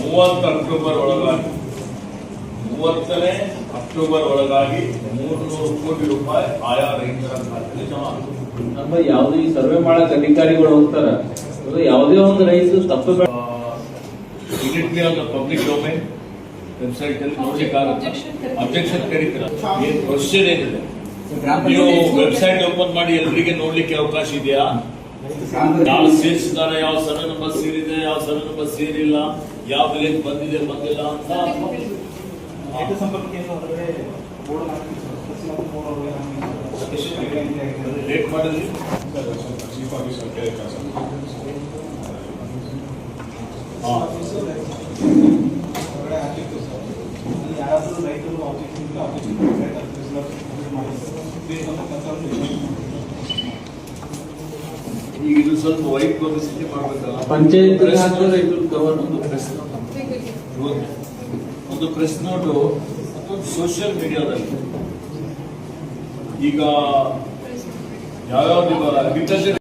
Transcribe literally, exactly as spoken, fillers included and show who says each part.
Speaker 1: ಮೂವತ್ತು ಅಕ್ಟೋಬರ್ ಒಳಗಾಗಿ ಮೂವತ್ತನೇ ಅಕ್ಟೋಬರ್ ಒಳಗಾಗಿ ಮೂರ್ನೂರು ಕೋಟಿ ರೂಪಾಯಿ ಆಯಾ ರೈತರ ಖಾತೆಗೆ ಜಮಾ ಆಗುತ್ತೆ.
Speaker 2: ನಮ್ಮ ಯಾವುದೇ ಈ ಸರ್ವೆ ಮಾಡಕ್ ಅಧಿಕಾರಿಗಳು ಹೋಗ್ತಾರ, ಯಾವುದೇ ಒಂದು ರೈತ ತಪ್ಪು
Speaker 1: immediately on the public domain website ಅಲ್ಲಿ ನೋಡ್ಲಿಕ್ಕಾಗುತ್ತೆ. ಅಬ್ಜೆಕ್ಷನ್ ಕರೀತೀರ, ಏನ್ ಕ್ವಶನ್ ಏನಿದೆ ನೀವು ವೆಬ್ಸೈಟ್ ಓಪನ್ ಮಾಡಿ ಎಲ್ಲರಿಗೆ ನೋಡ್ಲಿಕ್ಕೆ ಅವಕಾಶ ಇದೆಯಾ? ಯಾವ ಸೇರಿಸಿದಾರೆ, ಯಾವ ಸರ್ವೆ ನಂಬರ್ ಸೇರಿದೆ, ಯಾವ ಸರ್ವೆ ನಂಬರ್ ಸೇರಿಲ್ಲ, ಯಾವ ವಿಲೇಜ್ ಬಂದಿದೆ ಬಂದಿಲ್ಲ ಅಂತ ಲೇಟ್ ಮಾಡಿದ್ರಿ. ಈಗ ಇದು ಸ್ವಲ್ಪ ವೈಟ್ ಪಬ್ಲಿಸಿಟಿ ಮಾಡ್ಬೇಕಲ್ಲ.
Speaker 2: ಪಂಚಾಯತ್
Speaker 1: ಒಂದು ಪ್ರೆಸ್ ನೋಟು ಒಂದು ಸೋಷಿಯಲ್ ಮೀಡಿಯಾದಲ್ಲಿ ಈಗ ಯಾವ್ಯಾವ್ದು ಅಗ್ರಿಕಲ್ಚರ್